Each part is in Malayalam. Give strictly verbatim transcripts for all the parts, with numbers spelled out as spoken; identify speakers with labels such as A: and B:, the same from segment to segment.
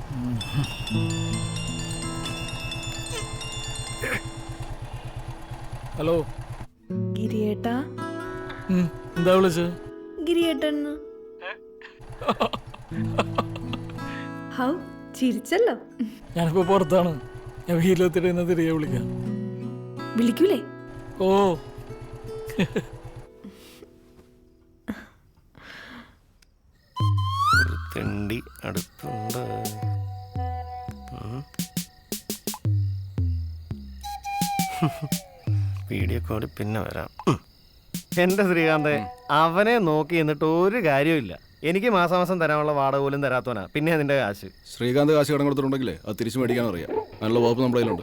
A: ഹലോ
B: ഗിരിയേട്ടാ.
A: എന്താ വിളിച്ചത്?
B: ഗിരിയേട്ടൻ. ഹൗ ചിരിച്ചല്ലോ.
A: ഞാനിപ്പോ പുറത്താണ്. ഞാൻ വീട്ടിലെത്തിട്ട് തിരികെ വിളിക്കാം.
B: വിളിക്കൂലേ?
A: ഓ
C: ഒരു തെണ്ടി അടുത്തുണ്ട്. വീഡിയോ കോളിൽ പിന്നെ വരാം. എന്റെ ശ്രീകാന്ത്, അവനെ നോക്കി എന്നിട്ട് ഒരു കാര്യമില്ല. എനിക്ക് മാസം മാസം തരാനുള്ള വാടക പോലും തരാത്തവനാ. പിന്നെ അതിന്റെ കാശ്
D: ശ്രീകാന്ത് കാശ് കടം കൊടുത്തിട്ടുണ്ടെങ്കിലേ അത് തിരിച്ചു മേടിക്കാൻ അറിയാം. നല്ല വകുപ്പ് നമ്മുടെ കയ്യിലുണ്ട്.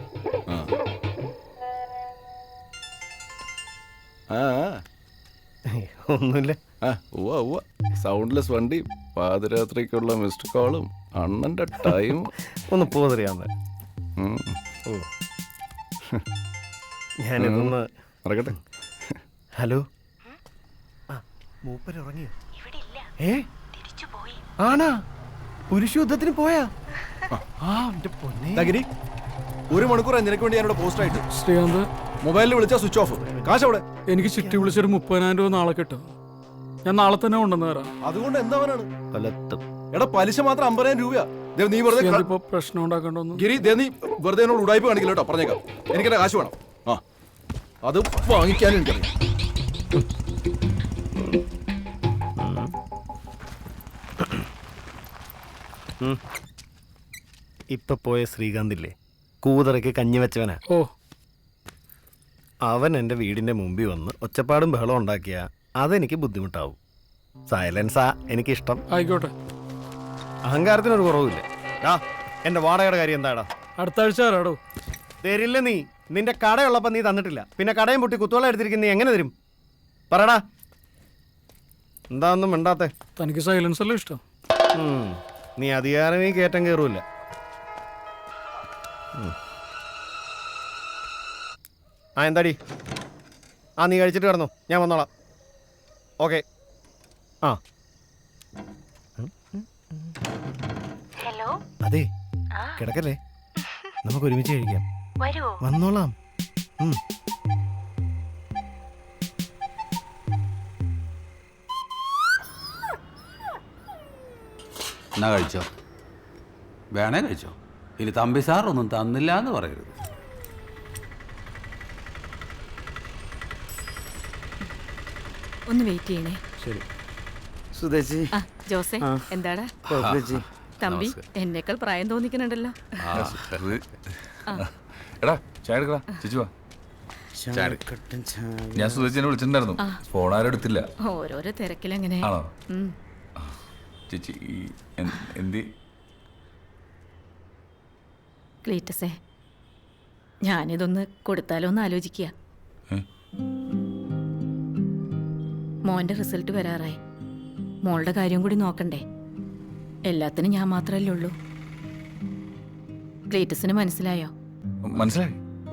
D: ആ
C: ഒന്നുമില്ല.
D: ആ ഉവ്വ ഉവ്വ സൗണ്ട്ലെസ് വണ്ടി, പാതിരാത്രിക്കുള്ള മിസ്ഡ് കോളും, അണ്ണന്റെ ടൈം.
C: ഒന്ന് പോതറിയാന്ന്. ഓ ഞാനിതൊന്ന്
D: മറക്കട്ടെ.
C: ഹലോ. മൂപ്പര് ഉറങ്ങിയോ? ഏ ആണാ? പുരുഷ യുദ്ധത്തിന് പോയാ?
D: ഗിരി, ഒരു മണിക്കൂർ നിനക്ക് വേണ്ടി ഞാനിവിടെ പോസ്റ്റ് ആയിട്ട്.
A: ശ്രീകാന്ത്,
D: മൊബൈലിൽ വിളിച്ചാൽ സ്വിച്ച് ഓഫ്. കാശ് അവിടെ.
A: എനിക്ക് ചിട്ടി വിളിച്ചൊരു മുപ്പതിനായിരം രൂപ നാളെ കിട്ടും. ഞാൻ നാളെ തന്നെ കൊണ്ടുവന്ന് തരാം.
D: അതുകൊണ്ട് എന്താവാനാണ്?
C: കൊലത്തും.
D: എടാ പലിശ മാത്രം അമ്പതിനായിരം രൂപ. നീ വെറുതെ
A: ഇപ്പൊ പ്രശ്നം ഉണ്ടാക്കണ്ടോന്ന്.
D: ഗിരി, നീ വെറുതെ എന്നോട് ഉടായ്പ കാണിക്കില്ല കേട്ടോ, പറഞ്ഞേക്കാം. എനിക്കെന്റെ കാശ് വേണം. ആ അത് വാങ്ങിക്കാനും എനിക്കറിയാം.
C: ഇപ്പൊ പോയ ശ്രീകാന്തില്ലേ, കൂതറയ്ക്ക് കഞ്ഞി വെച്ചവനാ.
A: ഓ
C: അവൻ എൻ്റെ വീടിന്റെ മുമ്പിൽ വന്ന് ഒച്ചപ്പാടും ബഹളം ഉണ്ടാക്കിയ അതെനിക്ക് ബുദ്ധിമുട്ടാവും. സൈലൻസാ എനിക്കിഷ്ടം.
A: ആയിക്കോട്ടെ.
C: അഹങ്കാരത്തിനൊരു കുറവില്ല. ആ എന്റെ വാടകയുടെ കാര്യം എന്താടാ?
A: അടുത്ത ആഴ്ച തരാടോ.
C: തരില്ല. നീ നിന്റെ കടയുള്ളപ്പോ നീ തന്നിട്ടില്ല. പിന്നെ കടയും പൊട്ടി കുത്തോളം എടുത്തിരിക്കുന്ന നീ എങ്ങനെ തരും? പറടാ. എന്താ ഒന്നും മിണ്ടാത്തെ?
A: തനിക്ക് സൈലൻസ് അല്ലേ ഇഷ്ടം?
C: നീ അധികാരമേ കയറ്റം കയറൂല. ആ എന്താടി? ആ നീ കഴിച്ചിട്ട് കിടന്നു, ഞാൻ വന്നോളാം. ഓക്കെ. ആ
E: ഹലോ.
C: അതെ, കിടക്കല്ലേ, നമുക്ക് ഒരുമിച്ച് കഴിക്കാം. വന്നോളാം.
F: എന്നാ കഴിച്ചോ, വേണേ കഴിച്ചോ. ഇനി തമ്പി സാർ ഒന്നും തന്നില്ല എന്ന് പറയരുത്.
G: ഒന്ന് വെയിറ്റ് ചെയ്യണേ.
C: ശരി. സുധേച്ചി.
G: ആ ജോസേ, എന്താടാ തമ്പി? എന്നേക്കാൾ പ്രായം തോന്നിക്കുന്നുണ്ടല്ലോ.
H: എടാ ചായ എടുക്കടാ. ചേച്ചി വാ. ഞാൻ സുധേച്ചിനെ വിളിച്ചിട്ടുണ്ടായിരുന്നു, ഫോൺ ആരും എടുത്തില്ല.
G: ഓരോരോ തിരക്കിലെങ്ങനെ.
H: ആണോ? ചേച്ചി എന്തി?
G: ക്ലീറ്റസേ, ഞാനിതൊന്ന് കൊടുത്താലോ എന്ന് ആലോചിക്കുക. മോന്റെ റിസൾട്ട് വരാറായി. മോളുടെ കാര്യം കൂടി നോക്കണ്ടേ? എല്ലാത്തിനും ഞാൻ മാത്രമല്ലേ ഉള്ളൂ. ക്ലീറ്റസിന് മനസ്സിലായോ?
H: മനസ്സിലായി.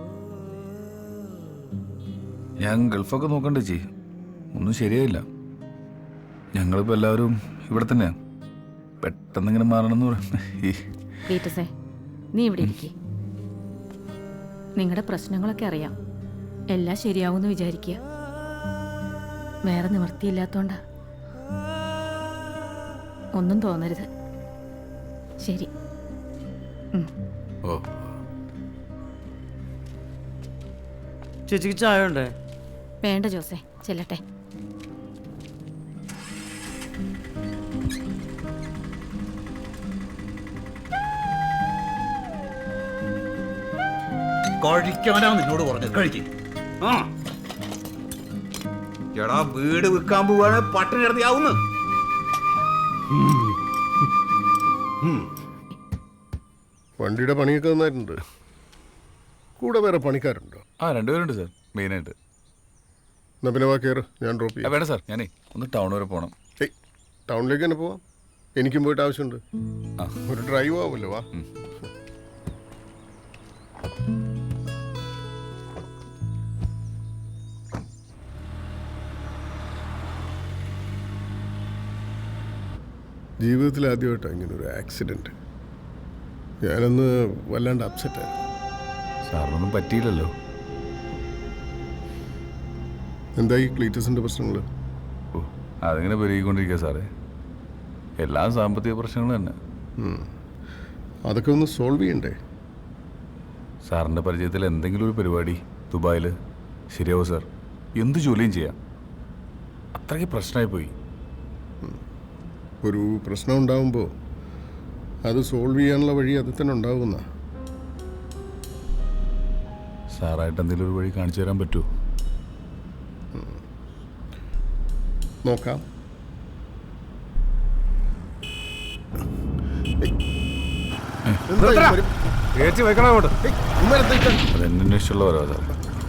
H: ഞാൻ ഗൾഫൊക്കെ നോക്കണ്ടേ ചേച്ചി, ഒന്നും ശരിയായില്ല. ഞങ്ങളിപ്പോൾ എല്ലാവരും ഇവിടെ തന്നെയാ. പെട്ടെന്ന് ഇങ്ങനെ മാറണമെന്ന് പറയാം.
G: ക്ലീറ്റസേ, നീ ഇവിടെ ഇരിക്കേ. നിങ്ങളുടെ പ്രശ്നങ്ങളൊക്കെ അറിയാം. എല്ലാം ശരിയാവുമെന്ന് വിചാരിക്കുക. വേറെ നിവൃത്തിയില്ലാത്തോണ്ടാ. ഒന്നും തോന്നരുത്. ശരി.
H: ഓ
I: ചേച്ചിക്ക് ചായ ഉണ്ടേ?
G: വേണ്ട ജോസേ, ചെല്ലട്ടെ.
F: കഴിക്കാനാ നിന്നോട് പറഞ്ഞത്. കഴിക്കും. ആ എടാ, വീട് വിൽക്കാൻ പോവാണ്, പട്ടിണി കിടത്തിയാവുന്നു.
J: വണ്ടിയുടെ പണിയൊക്കെ നന്നായിട്ടുണ്ട്. കൂടെ വേറെ പണിക്കാരുണ്ടോ?
H: ആ രണ്ടുപേരുണ്ട് സാർ, മെയിനായിട്ട്.
J: എന്നാ പിന്നെ വാ കയറ്, ഞാൻ ഡ്രോപ്പ് ചെയ്യാം.
H: വേണ്ട സാർ, ഞാനേ ഒന്ന് ടൗൺ വരെ പോകണം.
J: ഏയ് ടൗണിലേക്ക് തന്നെ പോവാം. എനിക്കും പോയിട്ട് ആവശ്യമുണ്ട്. ഒരു ഡ്രൈവ് ആവുമല്ലോ. വാ. ജീവിതത്തിൽ ആദ്യമായിട്ടാണ് ഇങ്ങനെ ഒരു ആക്സിഡൻറ്റ്. ഞാനൊന്ന് വല്ലാണ്ട് അപ്സെറ്റായി.
H: സാറിനൊന്നും പറ്റിയില്ലല്ലോ.
J: എന്തായി ക്ലീറ്റസിൻ്റെ പ്രശ്നങ്ങൾ?
H: ഓ അതിങ്ങനെ പെരുകിക്കൊണ്ടിരിക്കുക സാറേ. എല്ലാ സാമ്പത്തിക പ്രശ്നങ്ങളും തന്നെ.
J: അതൊക്കെ ഒന്ന് സോൾവ് ചെയ്യണ്ടേ?
H: സാറിൻ്റെ പരിചയത്തിൽ എന്തെങ്കിലും ഒരു പരിപാടി ദുബായിൽ ശരിയാവും സാർ. എന്ത് ജോലിയും ചെയ്യാം. അത്രയ്ക്ക് പ്രശ്നമായി പോയി.
J: ഒരു പ്രശ്നം ഉണ്ടാകുമ്പോൾ അത് സോൾവ് ചെയ്യാനുള്ള വഴി അത് തന്നെ ഉണ്ടാകുന്ന.
H: സാറായിട്ട് എന്തെങ്കിലും ഒരു വഴി കാണിച്ചു തരാൻ പറ്റുമോ?
J: നോക്കാം.
H: അതെന്നെ ഇഷ്ടമുള്ള ഓരോ സാർ.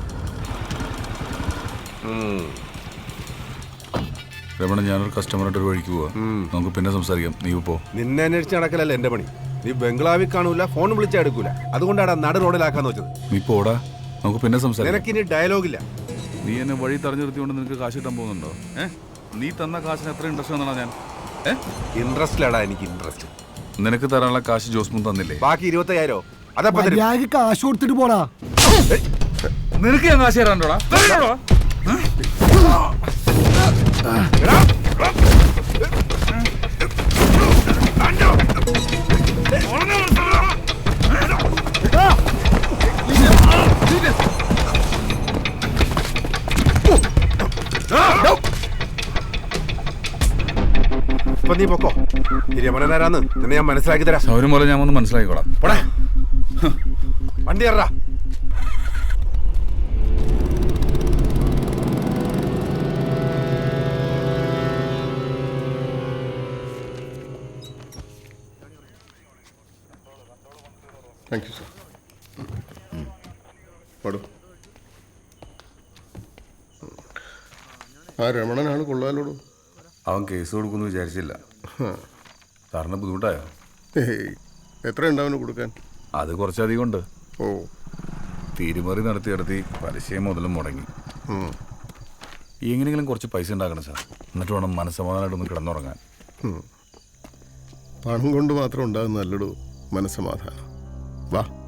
H: രമണ, ഞാനൊരു കസ്റ്റമറായിട്ട് ഒരു വഴിക്ക് പോവാ. നമുക്ക് പിന്നെ സംസാരിക്കാം. നീ പോ.
D: നിന്നെ അന്വേഷിച്ച് നടക്കലല്ല എന്റെ പണി. നീ ബംഗ്ലാവിൽ കാണൂല, ഫോൺ വിളിച്ചാൽ എടുക്കൂല. അതുകൊണ്ടാണ് നട റോഡിലാക്കാന്ന് വെച്ചത്.
H: നീ പോടാ, നമുക്ക് പിന്നെ സംസാരിക്കാം.
D: നിനക്കിനി ഡയലോഗില്ല.
H: നീ എന്നെ വഴി തടഞ്ഞു നിർത്തിക്കൊണ്ട് നിനക്ക് കാശ് കിട്ടാൻ പോകുന്നുണ്ടോ? ഏഹ് നീ തന്ന കാശിന് എത്ര ഇൻട്രസ്റ്റ് എന്നാണ് ഞാൻ? ഏഹ്
D: ഇൻട്രസ്റ്റിലാടാ എനിക്ക് ഇൻട്രസ്റ്റ്.
H: നിനക്ക് തരാനുള്ള കാശ് ജോസ്മുൻ തന്നില്ലേ?
D: ബാക്കി ഇരുപത്തയ്യായിരോ അതപ്പോ
I: കാശ് കൊടുത്തിട്ട് പോടാ.
H: നിനക്ക് ഞാൻ കാശ് തരാണ്ടോടാ?
D: ഇപ്പൊ നീ പൊക്കോ. രമണനാരാന്ന് നിന്നെ ഞാൻ മനസ്സിലാക്കി തരാം.
H: സൗരം പോലെ ഞാൻ ഒന്ന് മനസ്സിലാക്കിക്കോളാം.
D: പോടാ, വണ്ടി കയറാ.
J: Thank you sir. പാടൂ. ആ രമണനാണ് കൊള്ളാലോടൂ.
H: അവൻ കേസ് കൊടുക്കുമെന്ന് വിചാരിച്ചില്ല. സാറിന് ബുദ്ധിമുട്ടായോ?
J: ഏയ്, എത്രയുണ്ട് അവന് കൊടുക്കാൻ?
H: അത് കുറച്ചധികം ഉണ്ട്.
J: ഓ,
H: തീരുമറി നടത്തി നടത്തി പലിശയും മുതലും മുടങ്ങി. എങ്ങനെയെങ്കിലും കുറച്ച് പൈസ ഉണ്ടാക്കണം സാർ. എന്നിട്ട് വേണം മനസ്സമാധാനമായിട്ടൊന്ന് കിടന്നുറങ്ങാൻ.
J: പണം കൊണ്ട് മാത്രം ഉണ്ടാകുന്ന നല്ലൊരു മനസ്സമാധാനം. വാ.